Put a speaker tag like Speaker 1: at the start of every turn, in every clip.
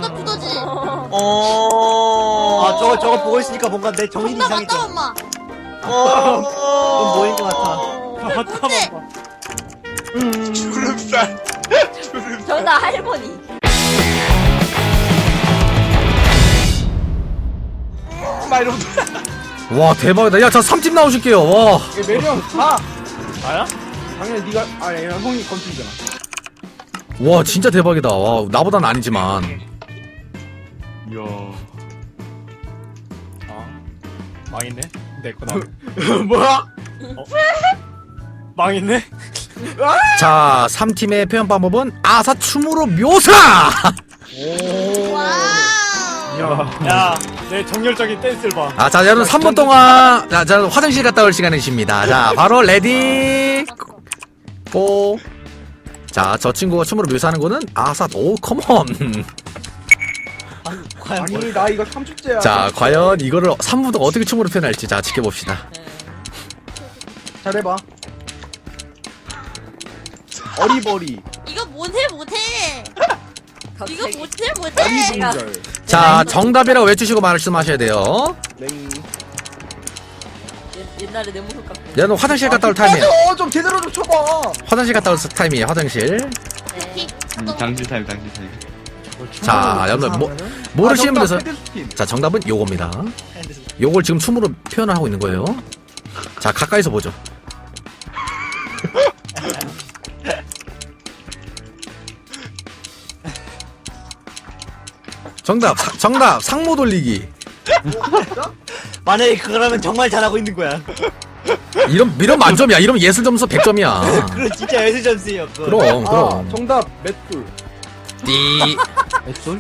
Speaker 1: 존나 부서지.
Speaker 2: 아 저거 보고 있으니까 뭔가 내 정신이
Speaker 1: 존나
Speaker 2: 이상해져.
Speaker 1: 맞다 엄마.
Speaker 2: 넌 뭐인 것 같아.
Speaker 3: 맞다
Speaker 1: 근데
Speaker 4: 주름살.
Speaker 5: 정답 할머니.
Speaker 4: 막 이러면
Speaker 6: 와 대박이다. 야 저 3팀 나오실게요. 와.
Speaker 3: 매력 가.
Speaker 4: 나야?
Speaker 3: 당연히 네가 아니 형이 건축이잖아.
Speaker 6: 와 진짜 대박이다. 와 나보단 아니지만.
Speaker 4: 이야.
Speaker 3: 망했네. 내거 나.
Speaker 4: 뭐야?
Speaker 3: 망했네.
Speaker 6: 자 3팀의 표현 방법은 아사춤으로 묘사.
Speaker 1: 와우.
Speaker 3: 야, 내 정열적인 댄스를 봐.
Speaker 6: 아, 자, 여러분 3분 동안 자, 화장실 갔다 올 시간이십니다. 자, 바로 레디 고. 자, 저 친구가 춤으로 묘사하는 거는 아사 오 컴온.
Speaker 2: 과연
Speaker 3: 아니 나 이거 3주째야.
Speaker 6: 자, 과연 이거를 3분 동안 어떻게 춤으로 표현할지 자, 지켜봅시다.
Speaker 3: 잘해봐. 어리버리.
Speaker 1: 이거 못해. 이거 못해.
Speaker 3: 어리분절.
Speaker 6: 자, 정답이라고 외치시고 말씀하셔야 돼요.
Speaker 3: 냉.
Speaker 5: 옛날에 내 모습 같고.
Speaker 6: 여러분 화장실 갔다 올 타임이에요.
Speaker 3: 맞아 좀 제대로 좀 쳐봐.
Speaker 6: 화장실 갔다 올 타임이에요. 화장실.
Speaker 4: 당신 타임, 당신 타임.
Speaker 6: 자, 여러분 모르시는 분께서 자, 정답은 요겁니다. 요걸 지금 춤으로 표현을 하고 있는 거예요. 자, 가까이서 보죠. 정답 상모 돌리기.
Speaker 2: 만약에 그거라면 정말 잘하고 있는 거야.
Speaker 6: 이런 만점이야. 이러면 예술 점수 100점이야.
Speaker 2: 그건 진짜 예술 점수예요. 그거.
Speaker 6: 그럼
Speaker 3: 아 정답 맷돌.
Speaker 6: 띠.
Speaker 2: 맷돌?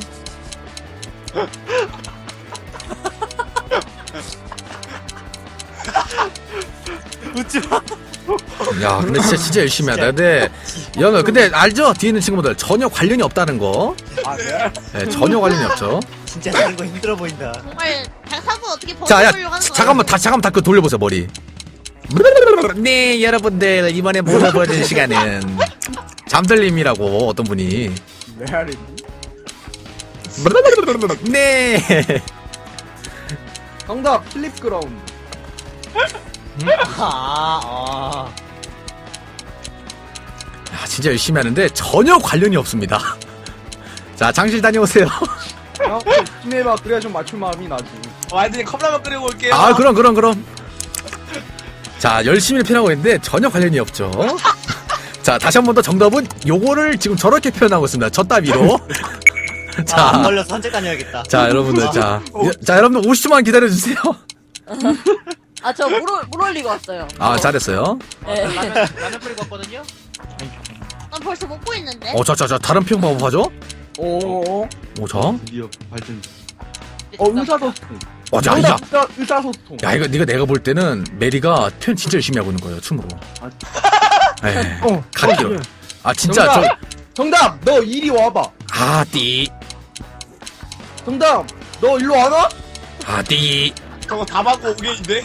Speaker 3: 웃지 마.
Speaker 6: 야, 근데 진짜 열심히 하다. 근데 알죠? 뒤에 있는 친구들 전혀 관련이 없다는 거.
Speaker 3: 아 그래?
Speaker 6: 네, 전혀 관련이 없죠.
Speaker 2: 진짜 사는 거 힘들어 보인다.
Speaker 1: 정말 장사부 어떻게
Speaker 6: 자, 야,
Speaker 1: 버텨보려고 하는 거야.
Speaker 6: 잠깐만 다 그 돌려보세요 머리. 네, 여러분들 이번에 모습 보여준 시간은 잠들림이라고 어떤 분이.
Speaker 3: 레알이.
Speaker 6: 네.
Speaker 3: 정답 필립 그라운드.
Speaker 2: 아.
Speaker 6: 야, 진짜 열심히 하는데 전혀 관련이 없습니다. 자, 장실 다녀오세요.
Speaker 3: 야, 힘내봐. 그래야 좀 맞출 마음이 나지.
Speaker 4: 와이드님 컵라면 끓이고 올게요.
Speaker 6: 아, 그럼. 자, 열심히 표현하고 있는데 전혀 관련이 없죠. 자, 다시 한 번 더 정답은 요거를 지금 저렇게 표현하고 있습니다. 저 따위로.
Speaker 2: 안
Speaker 6: 자,
Speaker 2: 걸려서 산책 다녀야겠다.
Speaker 6: 자, 여러분들, 자, 여러분들 50초만 기다려주세요.
Speaker 5: 아, 저 물 올리고 왔어요.
Speaker 6: 아, 잘했어요.
Speaker 5: 네.
Speaker 4: 라면 끓이고 왔거든요.
Speaker 1: 난 벌써 먹고 있는데.
Speaker 6: 자, 다른 표현 방법 하죠?
Speaker 3: 오.
Speaker 6: 자.
Speaker 4: 드디어 발전.
Speaker 3: 의사소통.
Speaker 6: 야.
Speaker 3: 의사소통.
Speaker 6: 야, 이거 내가 볼 때는 메리가 표현 진짜 열심히 하고 있는 거예요, 춤으로. 예. 갓기로. 아, 진짜,
Speaker 3: 정답. 너 이리 와봐.
Speaker 6: 띠.
Speaker 3: 정답. 너 일로 와봐.
Speaker 6: 띠.
Speaker 4: 저거 다 받고 오게인데?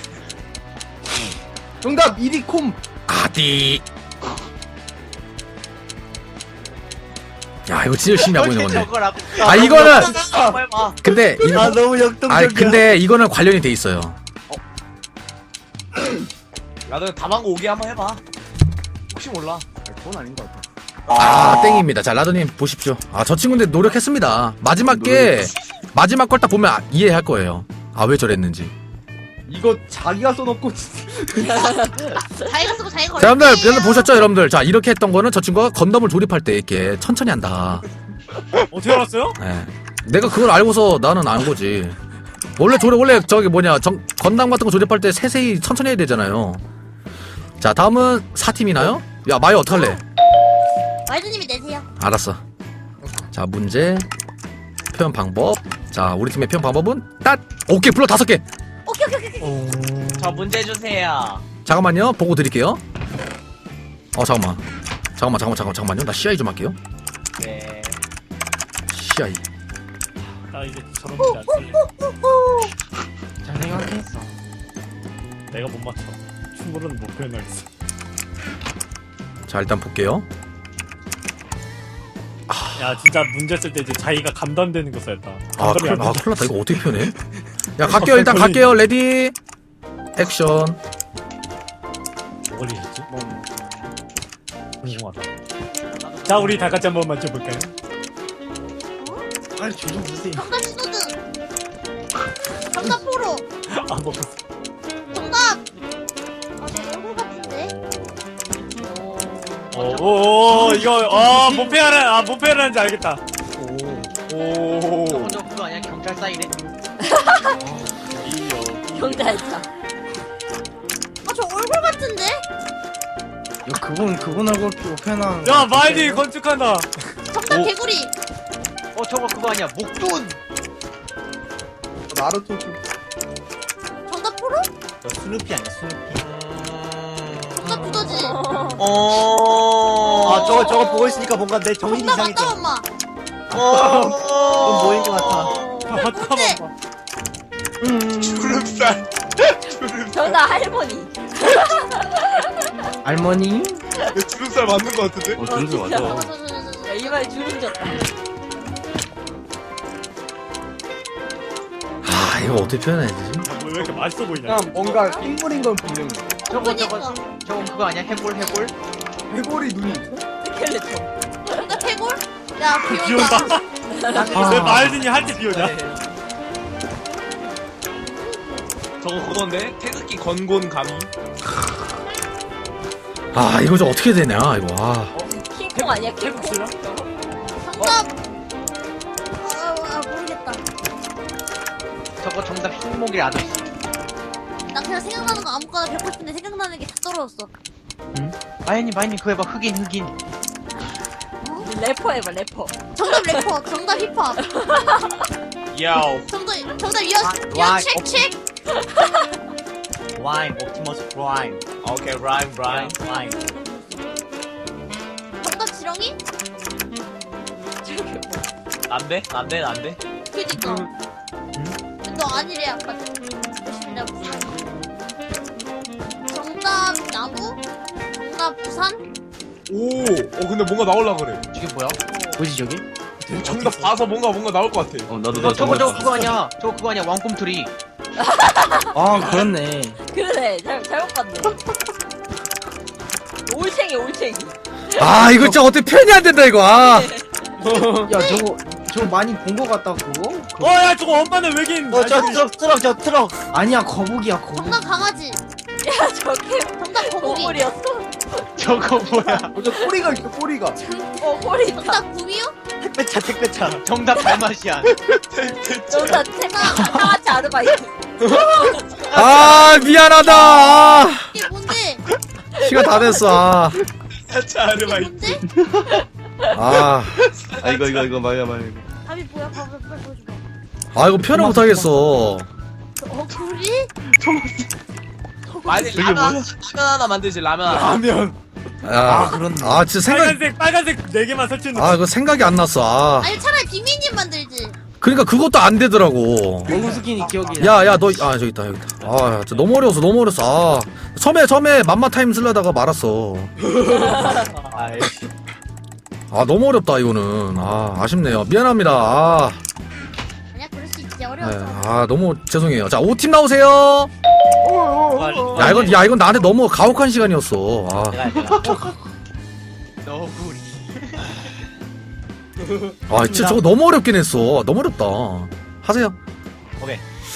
Speaker 3: 정답 이리 콤.
Speaker 6: 띠. 야, 이거 진짜 열심히 하고 있는 건데.
Speaker 2: 저거라고.
Speaker 6: 아, 이거는,
Speaker 2: 정말 봐.
Speaker 6: 근데,
Speaker 2: 아 너무 역동적이야.
Speaker 6: 근데 이거는 관련이 돼 있어요.
Speaker 4: 나도 다 받고 오게 한번 해봐. 혹시 몰라.
Speaker 3: 그건 아닌 것 같아.
Speaker 6: 땡입니다. 자, 라더님 보십시오. 저 친구인데 노력했습니다. 마지막 걸 딱 보면 이해할 거예요. 왜 저랬는지.
Speaker 3: 이거 자기가 써놓고
Speaker 1: 자기가 쓰고 자기가
Speaker 6: 자,
Speaker 1: 걸렸지.
Speaker 6: 여러분들 보셨죠, 여러분들? 자, 이렇게 했던 거는 저 친구가 건담을 조립할 때 이렇게 천천히 한다.
Speaker 3: 어떻게 알았어요?
Speaker 6: 예. 내가 그걸 알고서 나는 안 거지. 원래 저기 건담 같은 거 조립할 때 세세히 천천히 해야 되잖아요. 자, 다음은 4팀이나요? 야, 마이 어떡할래?
Speaker 1: 와이드님이 내세요.
Speaker 6: 알았어. 자, 문제. 표현 방법. 자, 우리 팀의 표현 방법은 오케이, 불러 5개.
Speaker 1: 오케이.
Speaker 2: 저 문제 주세요.
Speaker 6: 잠깐만요. 보고 드릴게요. 잠깐만요. 나 CI 좀 할게요.
Speaker 2: 네.
Speaker 6: CI.
Speaker 3: 나 이제 저런 문제 안 쓸래.
Speaker 2: 잘 생각했어.
Speaker 3: 내가 못 맞춰. 춤으로는 못 표현하겠어.
Speaker 6: 자, 일단 볼게요.
Speaker 3: 야 진짜 문제 쓸 때 이제 자기가 감당되는 거 써야겠다.
Speaker 6: 아,
Speaker 3: 감당이 안
Speaker 6: 큰일
Speaker 3: 돼.
Speaker 6: 났다. 이거 어떻게 표현해? 야, 갈게요. 일단 갈게요. 레디. 액션.
Speaker 3: 뭐 걸리셨지? 궁금하다. 자 우리 다 같이 한번 맞춰볼까요?
Speaker 7: 빨리 조좀 주세요.
Speaker 1: 정답 신호등. 정답 포로.
Speaker 3: 아 먹었어.
Speaker 1: 정답. 내 얼굴 같은데.
Speaker 3: 오 이거 못 패하는지 알겠다. 오.
Speaker 2: 저거 그거 아니야? 경찰 사이네?
Speaker 5: 경찰차.
Speaker 1: 저 얼굴 같은데?
Speaker 7: 야 그분 얼굴 표현한.
Speaker 3: 야 마이디 건축한다.
Speaker 1: 정답 개구리.
Speaker 2: 저거 그거 아니야? 목돈!
Speaker 7: 나루토 좀.
Speaker 1: 정답 포로?
Speaker 2: 스누피 아니야? 스누피.
Speaker 1: 정답 두더지.
Speaker 4: 아 저거 보고 있으니까 뭔가 내 정신이
Speaker 1: 정답
Speaker 4: 이상해져.
Speaker 1: 맞다 엄마.
Speaker 4: 그건 뭐인 것 같아.
Speaker 3: 맞다
Speaker 1: 뭔데?
Speaker 3: 맞다.
Speaker 7: 주름살.
Speaker 5: 정답 할머니.
Speaker 7: 할머니? 주름살 맞는 거 같은데?
Speaker 5: 주름살
Speaker 1: 잠깐만,
Speaker 5: 야, 이마에 주름 졌다.
Speaker 6: 아, 이거 어떻게 표현해야 되지?
Speaker 3: 왜 이렇게 맛있어 보이냐?
Speaker 7: 뭔가 핑물인 건 분명히.
Speaker 2: 저거
Speaker 1: 그니까.
Speaker 2: 저거 그거 아니야? 해골?
Speaker 7: 해골이 눈이.
Speaker 5: 스켈레톤.
Speaker 1: 정답 해골? 야
Speaker 3: 비온다.
Speaker 1: 비온다.
Speaker 3: 왜 마이딘이 할 때 비오냐?
Speaker 4: 저거 그건데 태극기 건곤 감이.
Speaker 6: 아, 이거 좀 어떻게 되냐, 이거. 아.
Speaker 5: 킹콩 아니야? 킹콩?
Speaker 3: 해봅시다.
Speaker 1: 정답. 모르겠다.
Speaker 2: 저거 정답 흰목이 아저씨.
Speaker 1: 나 그냥 생각나는 거 아무거나 뱉고 싶은데 생각나는 게 다 떨어졌어.
Speaker 2: 마이님 그거 해봐. 흑인.
Speaker 5: 래퍼 해봐 래퍼.
Speaker 1: 정답 래퍼. 정답 힙합.
Speaker 4: 야오.
Speaker 1: 정답
Speaker 2: 와,
Speaker 1: 책.
Speaker 2: 라임 옵티머스 프라임.
Speaker 4: 오케이 라임.
Speaker 2: 라임.
Speaker 1: 정답 지렁이?
Speaker 4: 안돼.
Speaker 1: 그니까. 너 아니래 아까. 열심히 내가 무슨 정답 나무? 정답 부산?
Speaker 7: 오. 근데 뭔가 나올라 그래.
Speaker 2: 저게 뭐야?
Speaker 7: 뭐지 저기? 정답 봐서 뭔가 나올 것 같아.
Speaker 2: 저거 그거 아니야? 저거 그거 아니야? 왕꿈틀이.
Speaker 7: 아 그렇네.
Speaker 5: 그러네. 잘못 봤네. 올챙이.
Speaker 6: 아, 이거 진짜 어떻게 표현이 안 된다, 이거. 아.
Speaker 7: 야 저거 많이 본 것 같다 그거?
Speaker 3: 야 저거 엄마는 외계인.
Speaker 4: 저 트럭.
Speaker 7: 아니야 거북이야 거북이.
Speaker 1: 정답 강아지.
Speaker 5: 야 저게
Speaker 1: 정답 거북이.
Speaker 5: 보물이었어?
Speaker 2: 저거 뭐야?
Speaker 7: 저 꼬리가 있어 꼬리가.
Speaker 5: 보물 있다.
Speaker 1: 정답 구미호?
Speaker 2: 택배차. 정답 달마시안.
Speaker 5: 정답 상하치 아르바이트.
Speaker 6: 아, 미안하다. 아,
Speaker 1: 이게 뭔데?
Speaker 6: 시간 다 됐어. 아.
Speaker 1: 이게 뭔데?
Speaker 6: 아.
Speaker 7: 이거 말이야.
Speaker 1: 답이 뭐야? 봐봐 빨리 보여줘봐.
Speaker 6: 아, 이거 표현을 못 하겠어.
Speaker 1: 굴이?
Speaker 4: 아니 라면 하나 만들지 라면 하나.
Speaker 3: 라면.
Speaker 6: 야.
Speaker 7: 그렇네.
Speaker 6: 아, 진짜
Speaker 3: 빨간색 4개만 설치는.
Speaker 6: 아, 이거 생각이 안 났어. 아.
Speaker 1: 아니 차라리 비미님 만들지.
Speaker 6: 그러니까 그것도 안 되더라고.
Speaker 7: 몽스킨이 기억이.
Speaker 6: 야, 너, 아, 저기 있다. 아, 진짜 너무 어려웠어. 아. 처음에 맘마 타임 쓰려다가 말았어. 아, 너무 어렵다, 이거는. 아, 아쉽네요. 미안합니다. 아,
Speaker 1: 아니야 그럴 수 있지
Speaker 6: 네.
Speaker 1: 어려워서.
Speaker 6: 아, 너무 죄송해요. 자, 5팀 나오세요. 야, 이건 나한테 너무 가혹한 시간이었어. 아.
Speaker 2: 너구리.
Speaker 6: 아, 진짜 저거 너무 어렵긴 했어. 너무 어렵다. 하세요.
Speaker 2: 오케이.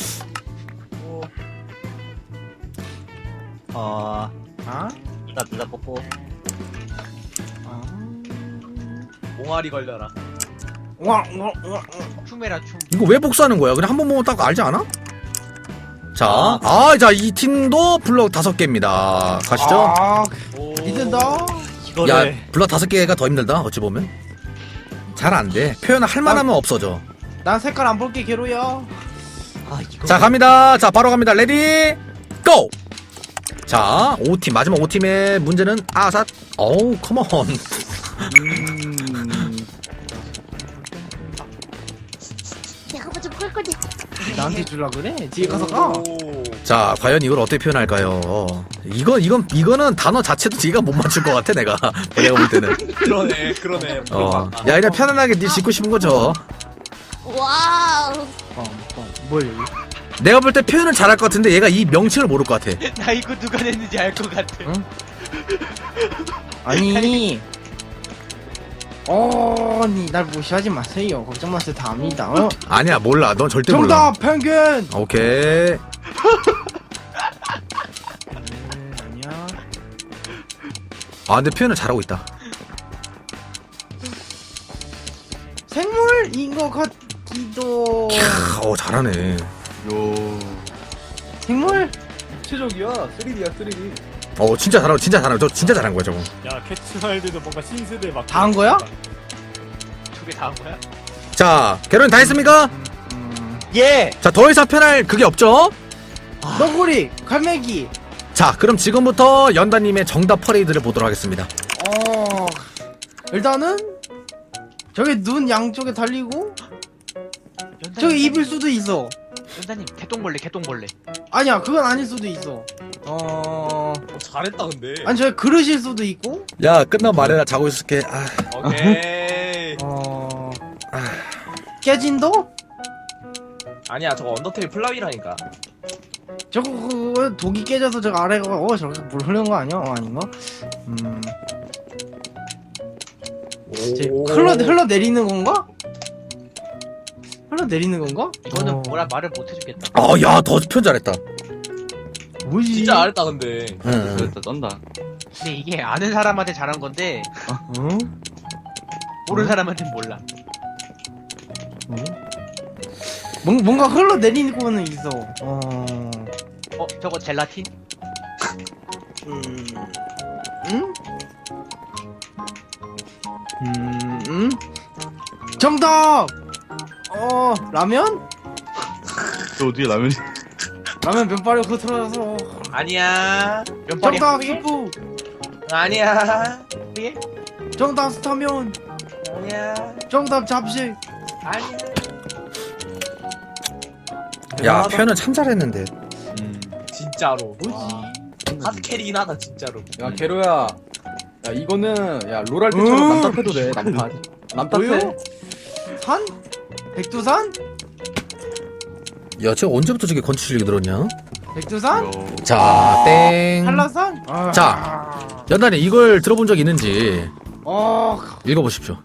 Speaker 7: 아?
Speaker 2: 나 뽑고.
Speaker 4: 옹알이 걸려라.
Speaker 2: 춤해라 춤.
Speaker 6: 이거 왜 복수하는 거야? 그냥 한 번 보면 딱 알지 않아? 자, 자, 이 팀도 블럭 5개입니다. 가시죠.
Speaker 7: 믿는다.
Speaker 6: 야, 블럭 5개가 더 힘들다. 어찌 보면. 잘 안 돼. 표현을 할 만하면 없어져.
Speaker 7: 난 색깔 안 볼게 괴로야.
Speaker 6: 자, 갑니다. 자, 바로 갑니다. 레디, 고! 자, 5팀, 마지막 5팀의 문제는 아삿. 어우, 컴온.
Speaker 1: 거지 한번 좀 끌 거지.
Speaker 7: 나한테 줄라 그래? 뒤에 가서 가.
Speaker 6: 자, 과연 이걸 어떻게 표현할까요? 이거는 단어 자체도 네가 못 맞출 것 같아, 내가 볼 때는.
Speaker 3: 그러네.
Speaker 6: 야, 그냥 편안하게 네 짓고 싶은 거죠.
Speaker 1: 와우.
Speaker 7: 뭘?
Speaker 6: 내가 볼 때 표현을 잘할 것 같은데 얘가 이 명칭을 모를 것 같아.
Speaker 2: 나 이거 누가 냈는지 알 것 같아.
Speaker 7: 응? 아니. 아니 날 무시하지 마세요. 걱정 마세요. 다 압니다. 어?
Speaker 6: 아니야, 몰라. 넌 절대 몰라.
Speaker 7: 정답 펭귄.
Speaker 6: 오케이.
Speaker 7: 아니야.
Speaker 6: 아, 근데 표현을 잘하고 있다.
Speaker 7: 생물인 것 같기도.
Speaker 6: 잘하네.
Speaker 7: 생물?
Speaker 3: 최적이야. 3D야 3D.
Speaker 6: 진짜 잘하고, 진짜 잘하고. 저 진짜 잘한 거야, 저거.
Speaker 3: 야 캐치마일드도 뭔가 신세대 막.
Speaker 7: 다 한 거야?
Speaker 2: 저게 다 한 거야?
Speaker 6: 자, 개론이 다 했습니까?
Speaker 4: 예.
Speaker 6: 자, 더 이상 표현할 그게 없죠?
Speaker 7: 너구리, 갈매기.
Speaker 6: 자, 그럼 지금부터 연다님의 정답 퍼레이드를 보도록 하겠습니다.
Speaker 7: 일단은 저기 눈 양쪽에 달리고 저기 입일 수도 있어.
Speaker 2: 연다님 개똥벌레.
Speaker 7: 아니야, 그건 아닐 수도 있어.
Speaker 4: 잘했다 근데.
Speaker 7: 아니 저기 그릇일 수도 있고.
Speaker 6: 야, 끝나고 말해라. 자고 있을게.
Speaker 4: 오케이.
Speaker 7: 깨진도?
Speaker 4: 아니야 저거 언더테일 플라위라니까.
Speaker 7: 저거 그거 독이 깨져서 저거 아래가 저렇게 물 흐르는 거 아니야? 아닌가? 흘러내리는 건가? 흘러내리는 건가?
Speaker 2: 이거는 뭐라 말을 못 해주겠다.
Speaker 6: 야, 더 표현 잘했다.
Speaker 7: 뭐지?
Speaker 4: 진짜 잘했다 근데.
Speaker 6: 응.
Speaker 8: 됐다 쩐다.
Speaker 2: 근데 이게 아는 사람한테 잘한 건데
Speaker 7: 응?
Speaker 2: 모르는 사람한테는 몰라.
Speaker 7: 뭔가 흘러내리는 거는 있어.
Speaker 2: 저거 젤라틴?
Speaker 7: 응? 정답! 라면?
Speaker 8: 저 어떻게 라면이?
Speaker 7: 라면 면발이 흐트러져서.
Speaker 4: 아니야.
Speaker 2: 면발이
Speaker 7: 정답
Speaker 2: 후예?
Speaker 7: 수프.
Speaker 4: 아니야.
Speaker 2: 후예?
Speaker 7: 정답 스타면.
Speaker 4: 아니야.
Speaker 7: 정답 잡식.
Speaker 4: 아니야.
Speaker 6: 야, 표현은 참 잘했는데.
Speaker 4: 진짜로.
Speaker 7: 뭐지?
Speaker 4: 핫캐리긴 하다 진짜로.
Speaker 3: 야 게로야. 야 이거는 야 롤할 때처럼 남탓해도 돼. 남탓. 남탓해.
Speaker 7: 뭐요? 산? 백두산?
Speaker 6: 야, 쟤 언제부터 저게 건축 실력이 늘었냐?
Speaker 7: 백두산?
Speaker 6: 자, 땡.
Speaker 7: 한라산?
Speaker 6: 자. 연단이 이걸 들어본 적 있는지 읽어보십시오.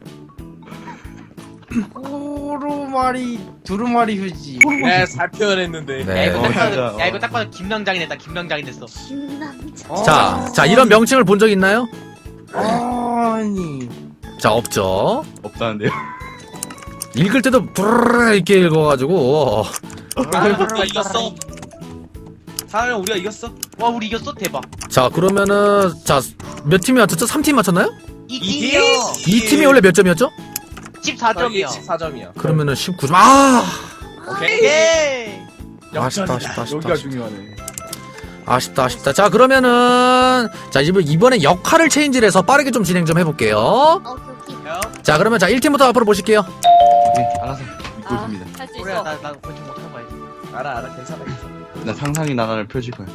Speaker 7: 호루마리 두루마리 휴지.
Speaker 4: 네, 잘 표현했는데.
Speaker 6: 네.
Speaker 2: 야 이거 딱 봐도 김남장이 됐다. 김남장이 됐어.
Speaker 1: 김남자.
Speaker 6: 자, 이런 명칭을 본 적 있나요?
Speaker 7: 아니.
Speaker 6: 자, 없죠.
Speaker 8: 없다는데요?
Speaker 6: 읽을 때도 부르르 이렇게 읽어가지고.
Speaker 4: 우리가 이겼어. 사람이 우리가 이겼어.
Speaker 2: 와 우리 이겼어 대박.
Speaker 6: 자, 그러면은 자, 몇 팀이 맞췄죠? 3팀 맞췄나요?
Speaker 2: 이기요.
Speaker 6: 이 팀이 원래 몇 점이었죠?
Speaker 2: 14점이요.
Speaker 4: 14점이야.
Speaker 6: 그러면은 19점.
Speaker 4: 오케이.
Speaker 2: 예.
Speaker 6: 아쉽다.
Speaker 3: 여기가 중요하네.
Speaker 6: 아쉽다. 자, 그러면은 자, 이번에 역할을 체인지를 해서 빠르게 좀 진행 좀 해볼게요.
Speaker 1: 오케이.
Speaker 6: 자, 그러면 자 1팀부터 앞으로 보실게요.
Speaker 8: 네, 알아서 믿고 있습니다.
Speaker 5: 할 수
Speaker 2: 우리야
Speaker 5: 있어.
Speaker 2: 나 건축 못하는 거야.
Speaker 4: 알아 괜찮아.
Speaker 8: 나 상상이 나라를 펼칠 거야.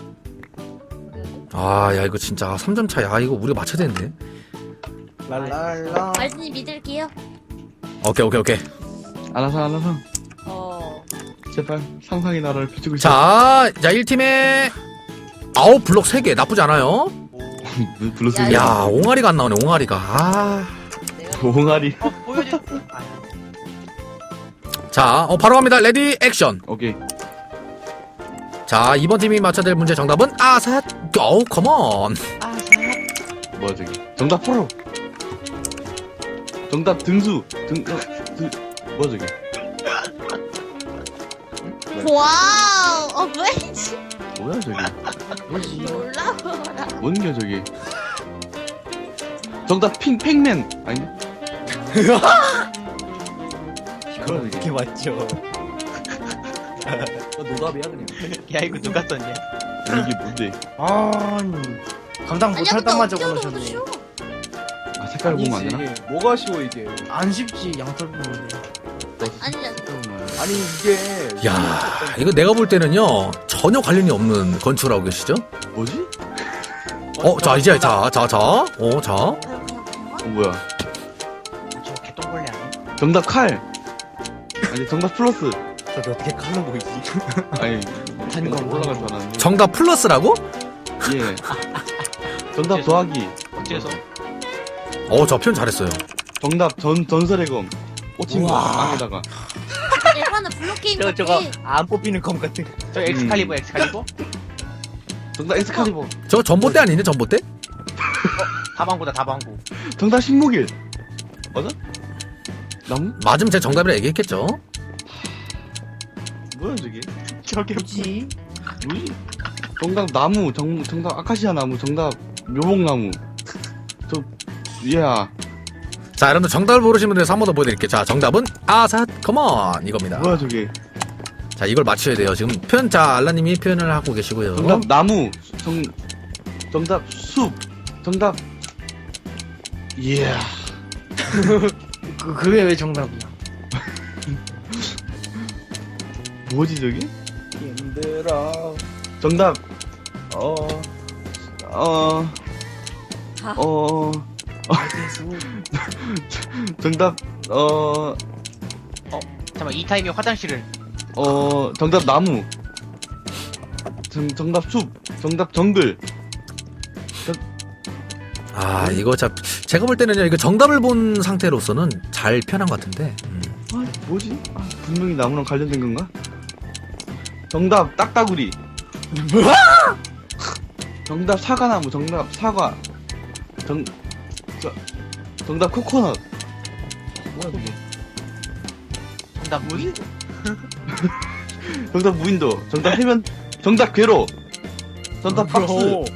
Speaker 6: 야, 이거 진짜 3점 차야. 이거 우리가 맞춰야 되는데.
Speaker 7: 랄랄라.
Speaker 1: 말씀님 믿을게요.
Speaker 6: 오케이.
Speaker 8: 알아서. 제발 상상이 나라를 펼치고 있어.
Speaker 6: 자, 1팀에 아웃 블록 3개 나쁘지 않아요.
Speaker 8: 불렀으면.
Speaker 6: 야, 옹알이가 안 나오네. 옹알이가.
Speaker 8: 봉아리.
Speaker 2: 보여줘.
Speaker 6: 자, 바로 갑니다. 레디 액션.
Speaker 8: 오케이.
Speaker 6: 자, 이번 팀이 맞춰야 될 문제 정답은 아삿. 컴온.
Speaker 8: 뭐야 저기? 정답 프로. 정답 등수. 뭐야 저기?
Speaker 1: 와우. 뭐지?
Speaker 8: 뭐야 저기?
Speaker 7: 뭐지?
Speaker 1: 놀라워라.
Speaker 8: 뭔겨 저기? 정답 팩맨 아닌데?
Speaker 3: 이거 어떻게 맞죠?
Speaker 4: 노답이야 그냥.
Speaker 2: 야 이거 누가 썼냐?
Speaker 8: 이게 뭔데?
Speaker 7: 아니. 감당 못할 땅만 적어놓으셨네.
Speaker 8: 아 색깔 보면 안 되나?
Speaker 3: 뭐가 쉬워 이게?
Speaker 7: 안 쉽지 양털 보면.
Speaker 1: 아니야.
Speaker 3: 아니 이게
Speaker 6: 야, 이거 내가 볼 때는요 전혀 관련이 없는 건축을 하고 계시죠?
Speaker 8: 뭐지?
Speaker 6: 자 이제 자.
Speaker 8: 뭐야?
Speaker 2: 저 개똥벌레 아니야?
Speaker 8: 정답 칼. 아니 정답 플러스.
Speaker 4: 저게 어떻게 칼로 보이지?
Speaker 8: 아니 한건 올라갈 줄 알았는데.
Speaker 6: 정답 플러스라고?
Speaker 8: 예. 정답 더하기.
Speaker 2: 어째서?
Speaker 6: 저 표현 잘했어요.
Speaker 8: 정답 전설의 검. 꽂힌 거 땅에다가.
Speaker 1: 예전에 블록 게임
Speaker 4: 저거
Speaker 1: 같이
Speaker 4: 안 뽑히는 검 같은 거.
Speaker 2: 저 엑스칼리버.
Speaker 8: 정답 엑스칼리버.
Speaker 6: 저 전봇대 아니냐 전봇대?
Speaker 2: 다방구다 다방구.
Speaker 8: 정답 신무길. 맞아? 나무?
Speaker 6: 맞으면 제가 정답이라 얘기했겠죠.
Speaker 8: 뭐야 저게?
Speaker 2: 저게
Speaker 7: 뭐지?
Speaker 8: 뭐지? 정답 나무. 정답 아카시아 나무. 정답 묘목나무. 야.
Speaker 6: 자, 여러분들 정답을 모르시는 분들에서 한 번 더 보여드릴게요. 자, 정답은 아삿 컴온 이겁니다.
Speaker 8: 뭐야 저게?
Speaker 6: 자, 이걸 맞춰야 돼요. 지금 표현, 자, 알라님이 표현을 하고 계시고요.
Speaker 8: 정답 나무. 정답 숲. 정답. 이야.
Speaker 7: 그게 왜 정답이야?
Speaker 8: 뭐지 저게?
Speaker 3: 힘들어.
Speaker 8: 정답. 정답.
Speaker 2: 잠깐만 이 타임에 화장실을.
Speaker 8: 정답 나무. 정답 숲. 정답 정글.
Speaker 6: 아, 이거 제가 볼 때는요, 이거 정답을 본 상태로서는 잘 표현한 것 같은데.
Speaker 8: 뭐지? 분명히 나무랑 관련된 건가? 정답 딱따구리.
Speaker 7: 뭐야?
Speaker 8: 정답 사과나무. 정답 사과. 정답 코코넛. 뭐야 그게?
Speaker 2: 정답 뭐지?
Speaker 8: 정답 무인도. 정답 해면. 정답 괴로. 정답 박스.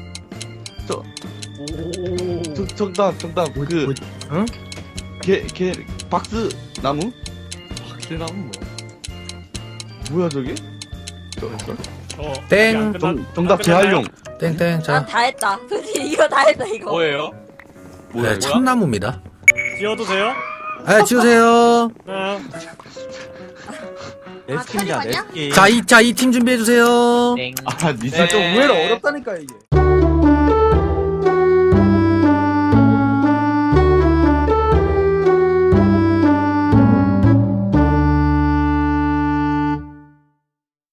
Speaker 8: 정답 그
Speaker 7: 응?
Speaker 8: 개 박스 나무?
Speaker 4: 박스나무
Speaker 8: 뭐야 저게?
Speaker 6: 땡,
Speaker 8: 정답 재활용.
Speaker 6: 땡. 자,
Speaker 5: 난 다 했다. 솔직히 이거 다 했다 이거.
Speaker 4: 뭐예요?
Speaker 8: 뭐야?
Speaker 6: 네, 참나무입니다.
Speaker 9: 지어도 돼요?
Speaker 6: 네, 지우세요.
Speaker 9: 네.
Speaker 1: 아, 칼이 맞냐?
Speaker 6: 자, 이 팀 준비해주세요.
Speaker 2: 땡.
Speaker 8: 아, 니사
Speaker 3: 좀 의외로 어렵다니까 이게.